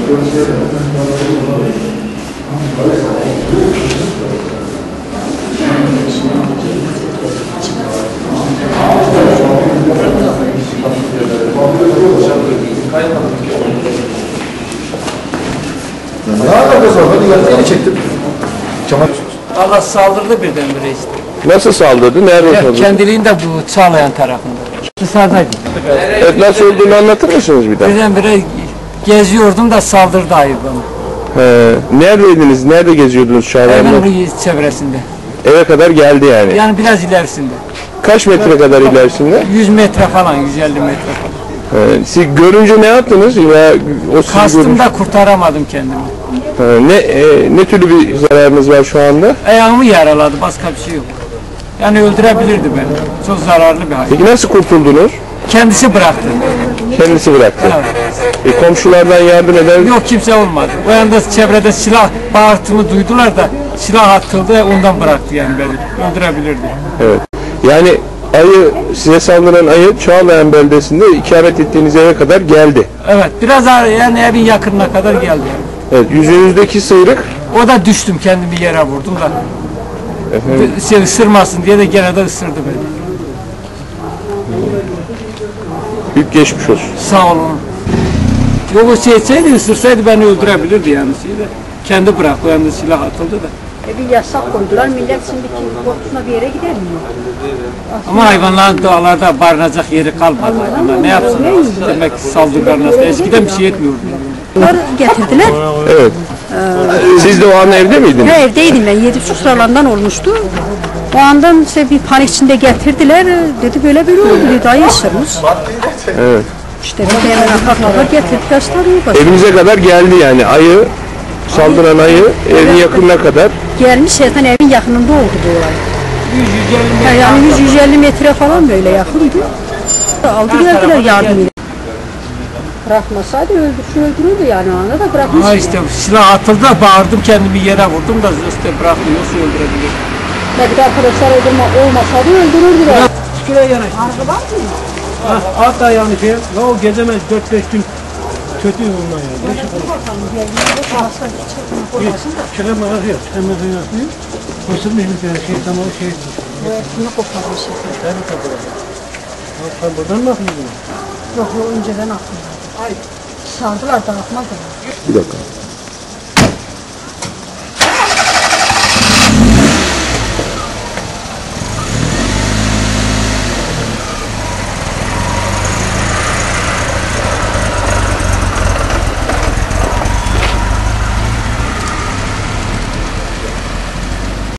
Allah saldırdı birdenbire işte. Nasıl saldırdı? Nerede saldırdı? Kendiliğinde bu Çağlayan tarafında. Dışarıdaydı. Evet, nasıl olduğunu anlatır mısınız bir daha? Birdenbire geziyordum da saldırdı ayı bana. Neredeydiniz? Nerede geziyordunuz Çağlayan'da? Evin çevresinde. Eve kadar geldi yani. Yani biraz ilerisinde. Kaç metre kadar ilerisinde? 100 metre falan, 150 metre falan. Siz görünce ne yaptınız? Ya, Kastım da kurtaramadım kendimi. Ne türlü bir zararınız var şu anda? Ayağımı yaraladı, başka bir şey yok. Yani öldürebilirdi beni. Çok zararlı bir hayvan. Peki nasıl kurtuldunuz? Kendisi bıraktı. Kendisi bıraktı. Evet. Komşulardan yardım eden... Yok, kimse olmadı. O yanda çevrede silah bağırtımı duydular da silah atıldı, ondan bıraktı yani beni. Öldürebilirdi. Evet. Yani ayı, size saldıran ayı Çağlayan beldesinde ikamet ettiğiniz eve kadar geldi. Evet, biraz yani evin yakınına kadar geldi. Evet, yüzünüzdeki sıyrık? O da düştüm, kendimi yere vurdum da. Şey ısırmasın diye de gene de ısırdı beni. Büyük geçmiş olsun. Sağ olun. Yok, o etseydi, ısırsaydı beni öldürebilirdi yani. Kendi bıraktı, o yanda silah atıldı da. Bir yasak koydular, millet şimdiki korkusuna bir yere gidemiyor. Ama hayvanların doğalarda barınacak yeri kalmadı. Hayvanlar ne yapsınlar? Demek ki saldırılar nasıl? Eskiden bir şey etmiyordu. Bunlar getirdiler. Evet. Siz de o an evde miydiniz? Ben evdeydim, ben 7 sıralarından olmuştu. O andan işte bir panik içinde getirdiler. Dedi böyle oldu, dedi ayı ısırmış. Evet. İşte bir hemen akartmalar getirdiler, sarıyor. Evinize kadar geldi yani ayı, saldıran ayı evin yakınına kadar. Gelmiş, zaten evin yakınında oldu bu olay. 150 metre. Yani 100-150 metre falan böyle yakındı. Aldı geldiler yardımıyla. Bırakmasaydı öldürürdü yani, o anda da bırakmış. Ha işte silah atıldı da bağırdım, kendimi yere vurdum da işte bırakmıyorsa öldürebilir. Belki de arkadaşlar olmasaydı öldürürdüler. Şuraya yanaş. Araba var mı? At ayağını şey, ya o gezemez 4-5 gün kötü ondan ya. Çıkamaz yok, çıkamaz yok. Koşulmuş bir şey, tamam şey. Bunu koparmış. Sen koparmış. Sen buradan mı akıldın? Yok, önceden aklımda. Sardılar, dağıtmadılar. Bir dakika.